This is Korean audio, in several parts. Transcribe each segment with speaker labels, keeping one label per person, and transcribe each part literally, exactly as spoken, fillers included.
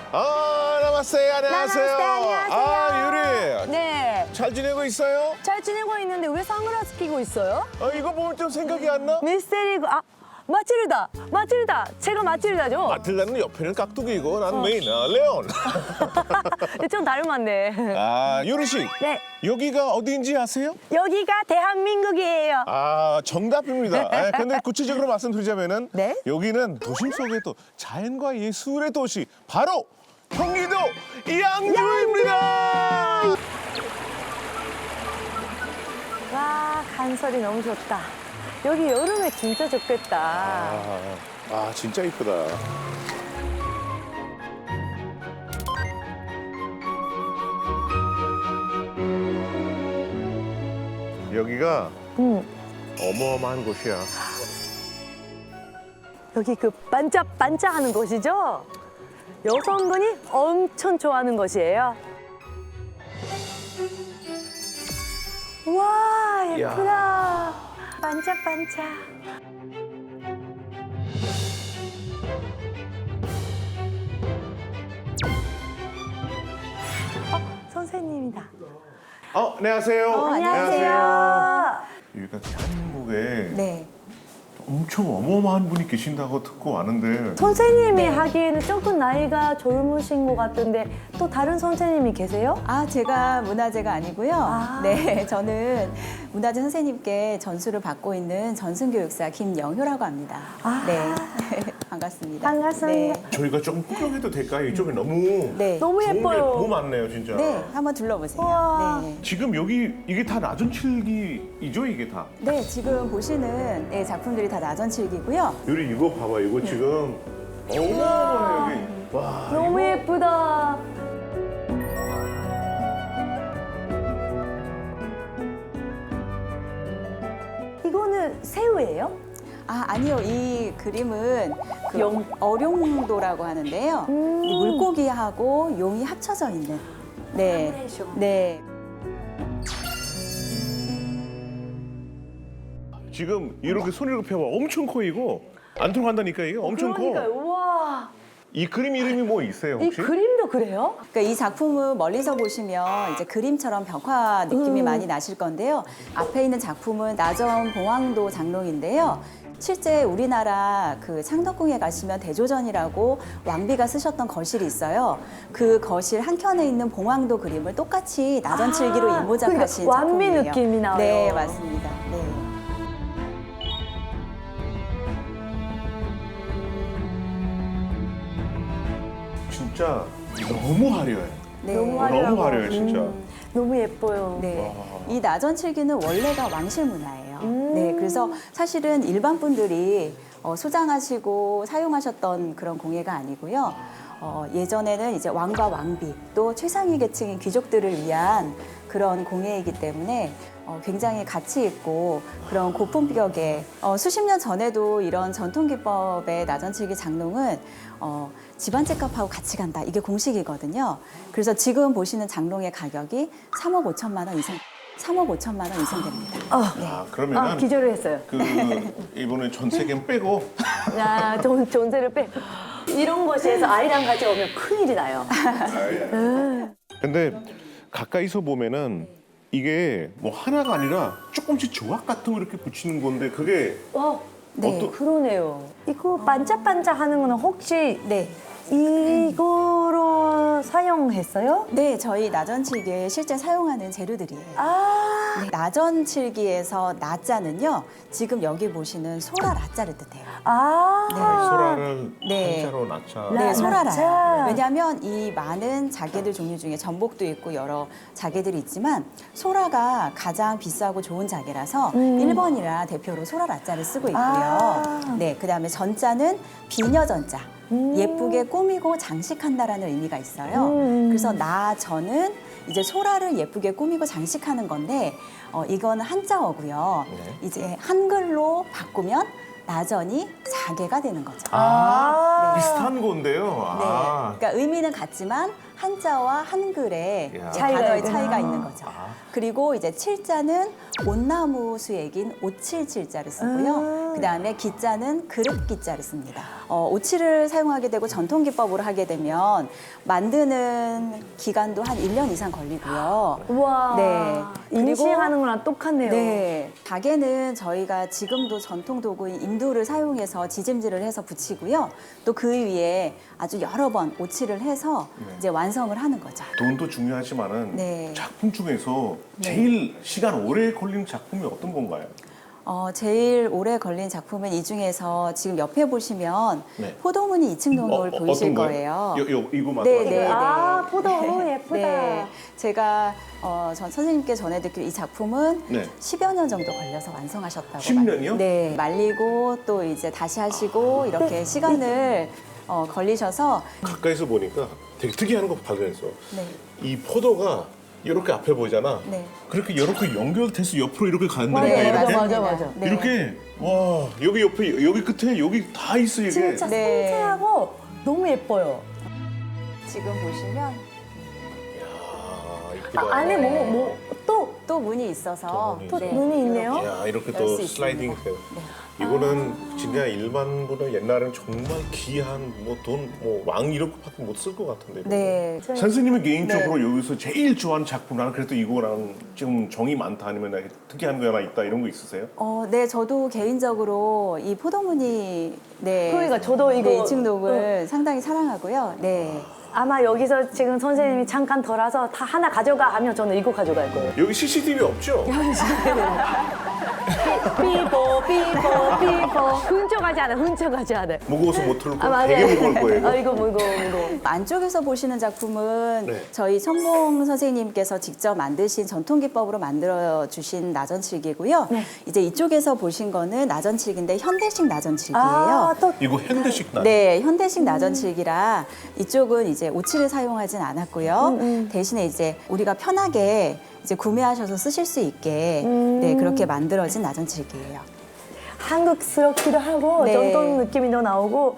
Speaker 1: 아, 나마스테, 안녕하세요.
Speaker 2: 나마스테, 안녕하세요.
Speaker 1: 아, 유리.
Speaker 2: 네.
Speaker 1: 잘 지내고 있어요?
Speaker 2: 잘 지내고 있는데 왜 선글라스 끼고 있어요?
Speaker 1: 어, 이거 보면 좀 생각이 안 나?
Speaker 2: 미스테리, 아, 마틸다. 마틸다. 제가 마틸다죠?
Speaker 1: 마틸다는 옆에는 깍두기고 난
Speaker 2: 어.
Speaker 1: 메인, 아, 레온.
Speaker 2: 좀 닮았네.
Speaker 1: 아, 유리 씨.
Speaker 2: 네.
Speaker 1: 여기가 어디인지 아세요?
Speaker 2: 여기가 대한민국이에요.
Speaker 1: 아, 정답입니다. 아, 근데 구체적으로 말씀드리자면은
Speaker 2: 네?
Speaker 1: 여기는 도심 속의 또 자연과 예술의 도시 바로 경기도 양주입니다.
Speaker 2: 와, 간설이 너무 좋다. 여기 여름에 진짜 좋겠다.
Speaker 1: 아, 아 진짜 이쁘다. 여기가
Speaker 2: 음,
Speaker 1: 어마어마한 곳이야.
Speaker 2: 여기 그 반짝반짝 하는 곳이죠? 여성분이 엄청 좋아하는 곳이에요. 와, 예쁘다. 반짝반짝. 어, 선생님이다.
Speaker 1: 어, 안녕하세요.
Speaker 3: 어,
Speaker 2: 안녕하세요.
Speaker 1: 여기가 대한민국에
Speaker 3: 네.
Speaker 1: 엄청 어마어마한 분이 계신다고 듣고 왔는데
Speaker 2: 선생님이
Speaker 3: 네.
Speaker 2: 하기에는 조금 나이가 젊으신 것 같은데 또 다른 선생님이 계세요?
Speaker 3: 아, 제가 문화재가 아니고요.
Speaker 2: 아.
Speaker 3: 네, 저는 문화재 선생님께 전수를 받고 있는 전승교육사 김영효라고 합니다.
Speaker 2: 아.
Speaker 3: 네, 반갑습니다.
Speaker 2: 반갑습니다.
Speaker 3: 네.
Speaker 1: 저희가 조금 구경해도 될까요? 이쪽에 너무
Speaker 3: 네.
Speaker 2: 너무
Speaker 1: 좋은 게
Speaker 2: 예뻐요.
Speaker 1: 너무 많네요, 진짜.
Speaker 3: 네, 한번 둘러보세요.
Speaker 2: 우와.
Speaker 3: 네.
Speaker 1: 지금 여기 이게 다 낮은 칠기이죠, 이게 다.
Speaker 3: 네, 지금 보시는 네, 작품들이 다 나전칠기고요.
Speaker 1: 유리 이거 봐봐, 이거 지금 어마어마해 여기. 와,
Speaker 2: 너무
Speaker 1: 이거
Speaker 2: 예쁘다. 이거는 새우예요?
Speaker 3: 아, 아니요. 이 그림은 그
Speaker 2: 용.
Speaker 3: 어룡도라고 하는데요.
Speaker 2: 음.
Speaker 3: 이 물고기하고 용이 합쳐져 있는. 네.
Speaker 2: 컴비네이션.
Speaker 3: 네.
Speaker 1: 지금 이렇게 손으로 펴봐, 엄청 커 이거. 안 들어간다니까 이게 엄청
Speaker 2: 그러니까요.
Speaker 1: 커.
Speaker 2: 우와.
Speaker 1: 이 그림 이름이 뭐 있어요
Speaker 2: 이
Speaker 1: 혹시?
Speaker 2: 그림도 그래요?
Speaker 3: 그러니까 이 작품은 멀리서 보시면 이제 그림처럼 벽화 느낌이
Speaker 2: 음.
Speaker 3: 많이 나실 건데요. 앞에 있는 작품은 나전 봉황도 장롱인데요. 실제 우리나라 그 창덕궁에 가시면 대조전이라고 왕비가 쓰셨던 거실이 있어요. 그 거실 한켠에 있는 봉황도 그림을 똑같이 나전칠기로
Speaker 2: 아,
Speaker 3: 인모작하신
Speaker 2: 그러니까 왕미
Speaker 3: 작품이에요.
Speaker 2: 느낌이 나와요.
Speaker 3: 네, 맞습니다. 네.
Speaker 1: 진짜 너무 화려해.
Speaker 3: 네.
Speaker 2: 너무
Speaker 1: 어,
Speaker 2: 화려하고.
Speaker 1: 너무 화려해 진짜.
Speaker 2: 음, 너무 예뻐요.
Speaker 3: 네.
Speaker 1: 와.
Speaker 3: 이 나전칠기는 원래가 왕실 문화예요.
Speaker 2: 음.
Speaker 3: 네. 그래서 사실은 일반 분들이 어, 소장하시고 사용하셨던 그런 공예가 아니고요. 어, 예전에는 이제 왕과 왕비 또 최상위 계층인 귀족들을 위한 그런 공예이기 때문에 어, 굉장히 가치 있고 그런 고품격의 어, 수십 년 전에도 이런 전통 기법의 나전칠기 장롱은 어, 집안 집값하고 같이 간다. 이게 공식이거든요. 그래서 지금 보시는 장롱의 가격이 삼억 오천만 원 이상, 삼억 오천만 원 이상 됩니다.
Speaker 2: 아,
Speaker 1: 아 그러면은
Speaker 2: 아 기절을 했어요.
Speaker 1: 그 이번에 전세계는 빼고
Speaker 2: 야, 전, 전세를 빼. 이런 곳에서 아이랑 같이 오면 큰일이 나요.
Speaker 1: 근데 가까이서 보면은 이게 뭐 하나가 아니라 조금씩 조각 같은 거 이렇게 붙이는 건데 그게
Speaker 2: 와,
Speaker 3: 네.
Speaker 1: 어떠-
Speaker 2: 그러네요. 이거 반짝반짝 하는 거는 혹시
Speaker 3: 네.
Speaker 2: 이거로 사용했어요?
Speaker 3: 네, 저희 나전칠기에 실제 사용하는 재료들이에요.
Speaker 2: 아,
Speaker 3: 네, 나전칠기에서 나자는요, 지금 여기 보시는 소라 라자를 뜻해요.
Speaker 2: 아.
Speaker 1: 소라를
Speaker 3: 네.
Speaker 1: 한자로 낳자.
Speaker 2: 나-
Speaker 3: 네, 소라라요.
Speaker 2: 나자.
Speaker 3: 왜냐하면 이 많은 자개들 종류 중에 전복도 있고 여러 자개들이 있지만 소라가 가장 비싸고 좋은 자개라서
Speaker 2: 음.
Speaker 3: 일 번이라 대표로 소라 라자를 쓰고 있고요.
Speaker 2: 아.
Speaker 3: 네, 그다음에 전자는 비녀전자.
Speaker 2: 음.
Speaker 3: 예쁘게 꾸미고 장식한다라는 의미가 있어요.
Speaker 2: 음.
Speaker 3: 그래서 나전은 이제 소라를 예쁘게 꾸미고 장식하는 건데 어, 이건 한자어고요.
Speaker 1: 네.
Speaker 3: 이제 한글로 바꾸면 나전이 자개가 되는 거죠.
Speaker 1: 아,
Speaker 2: 아.
Speaker 1: 비슷한 건데요.
Speaker 3: 네.
Speaker 1: 아.
Speaker 3: 그러니까 의미는 같지만 한자와 한글의
Speaker 1: 야.
Speaker 3: 이제
Speaker 2: 차이가
Speaker 3: 단어의
Speaker 2: 있구나.
Speaker 3: 차이가 있는 거죠.
Speaker 1: 아.
Speaker 3: 그리고 이제 칠자는 온나무 수액인 오칠칠자를 쓰고요.
Speaker 2: 음.
Speaker 3: 그다음에 기자는 그릇 기자를 씁니다. 어, 오칠을 사용하게 되고 전통 기법으로 하게 되면 만드는 기간도 한 일 년 이상 걸리고요.
Speaker 2: 우와.
Speaker 3: 네. 그리고-
Speaker 2: 인식하는 거랑 똑같네요.
Speaker 3: 네. 가게는 저희가 지금도 전통 도구인 인두를 사용해서 지짐질을 해서 붙이고요. 또 그 위에 아주 여러 번 오칠을 해서
Speaker 1: 네.
Speaker 3: 이제 완성을 하는 거죠.
Speaker 1: 돈도 중요하지만은
Speaker 3: 네.
Speaker 1: 작품 중에서
Speaker 3: 네.
Speaker 1: 제일 시간 오래 걸린 작품이 어떤 건가요?
Speaker 3: 어, 제일 오래 걸린 작품은 이 중에서 지금 옆에 보시면
Speaker 1: 네.
Speaker 3: 포도무늬 이층동굴 보이실
Speaker 1: 어떤
Speaker 3: 거예요.
Speaker 1: 요, 요, 이거 맞죠?
Speaker 3: 네, 네.
Speaker 2: 아, 포도 너무 예쁘다.
Speaker 3: 네. 제가 어, 전 선생님께 전해드릴 이 작품은
Speaker 1: 네.
Speaker 3: 십여 년 정도 걸려서 완성하셨다고.
Speaker 1: 십 년이요?
Speaker 3: 말- 네. 말리고 또 이제 다시 하시고 이렇게 시간을 어, 걸리셔서
Speaker 1: 가까이서 보니까 되게 특이한 거 발견했어.
Speaker 3: 네.
Speaker 1: 이 포도가 이렇게 앞에 보이잖아.
Speaker 3: 네.
Speaker 1: 그렇게 이렇게 연결돼서 옆으로 이렇게 간다니까
Speaker 2: 맞아요,
Speaker 1: 이렇게.
Speaker 2: 맞아, 맞아, 맞아.
Speaker 3: 네.
Speaker 1: 이렇게 와 여기 옆에 여기 끝에 여기 다 있어 이게.
Speaker 2: 진짜
Speaker 3: 네.
Speaker 2: 생생하고 너무 예뻐요.
Speaker 3: 지금 보시면
Speaker 1: 야 이쁘다.
Speaker 2: 아, 안에 뭐, 뭐, 또,
Speaker 3: 또 문이 있어서
Speaker 1: 또 문이
Speaker 2: 또
Speaker 1: 네.
Speaker 2: 눈이 있네요.
Speaker 1: 야 이렇게
Speaker 3: 열
Speaker 1: 또
Speaker 3: 수
Speaker 1: 슬라이딩
Speaker 3: 있습니다.
Speaker 1: 돼.
Speaker 3: 네.
Speaker 1: 이거는 진짜 일반보다 옛날에는 정말 귀한 뭐 돈 뭐 왕 이렇게밖에 못 쓸 것 같은데. 이거.
Speaker 3: 네.
Speaker 1: 선생님이 개인적으로 여기서 제일 좋아하는 작품 나는 그래도 이거랑 좀 정이 많다 아니면 특이한 거 하나 있다 이런 거 있으세요?
Speaker 3: 어, 네, 저도 개인적으로 이 포도무늬 네.
Speaker 2: 그러니까 저도 이거-
Speaker 3: 네, 이층독을 상당히 사랑하고요. 네.
Speaker 2: 아마 여기서 지금 선생님이 잠깐 덜어서 다 하나 가져가 하면 저는 이거 가져갈 거예요.
Speaker 1: 여기 씨씨티비 없죠?
Speaker 2: 삐뽀, 삐뽀, 삐뽀. 훔쳐가지 않아, 훔쳐가지 않아.
Speaker 1: 무거워서 못 들고
Speaker 2: 아, 맞아요.
Speaker 1: 되게 무거울 거예요.
Speaker 2: 아, 이거 무거워, 무거워.
Speaker 3: 안쪽에서 보시는 작품은
Speaker 1: 네.
Speaker 3: 저희 천봉 선생님께서 직접 만드신 전통 기법으로 만들어 주신 나전칠기고요.
Speaker 2: 네.
Speaker 3: 이제 이쪽에서 보신 거는 나전칠기인데 현대식 나전칠기예요.
Speaker 2: 아, 또
Speaker 1: 이거 현대식 나.
Speaker 3: 네, 현대식 나전칠기라 이쪽은 이제 오칠을 사용하진 않았고요.
Speaker 2: 음, 음.
Speaker 3: 대신에 이제 우리가 편하게 이제 구매하셔서 쓰실 수 있게
Speaker 2: 음.
Speaker 3: 네, 그렇게 만들어진 나전칠기예요.
Speaker 2: 한국스럽기도 하고
Speaker 3: 네.
Speaker 2: 전통 느낌이 더 나오고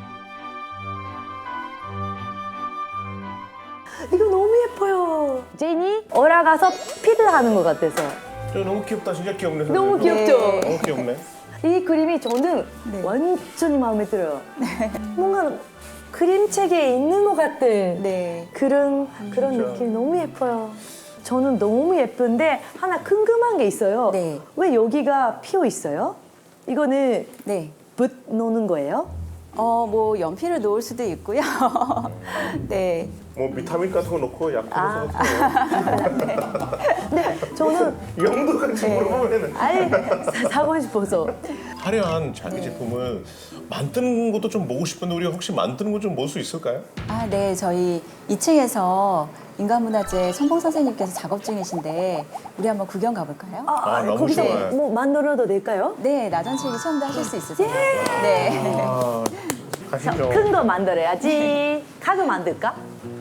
Speaker 2: 이거 너무 예뻐요. 제인이 올라가서 피드 하는 것 같아서
Speaker 1: 저 너무 귀엽다. 진짜 귀엽네.
Speaker 2: 너무
Speaker 1: 선생님.
Speaker 2: 귀엽죠?
Speaker 3: 네.
Speaker 1: 너무 귀엽네.
Speaker 2: 이 그림이 저는
Speaker 3: 네.
Speaker 2: 완전히 마음에 들어요. 뭔가 그림책에 있는 것 같은
Speaker 3: 네.
Speaker 2: 그런 그런
Speaker 1: 진짜.
Speaker 2: 느낌이 너무 예뻐요. 저는 너무 예쁜데 하나 궁금한 게 있어요.
Speaker 3: 네.
Speaker 2: 왜 여기가 피어 있어요? 이거는
Speaker 3: 네.
Speaker 2: 붓 놓는 거예요?
Speaker 3: 어, 뭐 연필을 놓을 수도 있고요. 네.
Speaker 1: 뭐 비타민 같은 거 넣고 약
Speaker 2: 아.
Speaker 1: 뿌려서
Speaker 2: 네, 저는
Speaker 1: 영도 같이
Speaker 3: 네.
Speaker 1: 물어보면은
Speaker 2: 아예 사- 사고 싶어서.
Speaker 1: 화려한 자기 제품을 만드는 것도 좀 보고 싶은데 우리가 혹시 만드는 거 좀 볼 수 있을까요?
Speaker 3: 아, 네. 저희 이 층에서 인간문화재 천봉 선생님께서 작업 중이신데 우리 한번 구경 가볼까요?
Speaker 2: 아,
Speaker 1: 아, 너무
Speaker 2: 거기서
Speaker 1: 좋아요.
Speaker 2: 뭐 만들어도 될까요?
Speaker 3: 네, 나전칠기 체험도 하실 수 있으세요. 네.
Speaker 1: 아, 가시죠.
Speaker 2: 큰 거 만들어야지. 가구 만들까?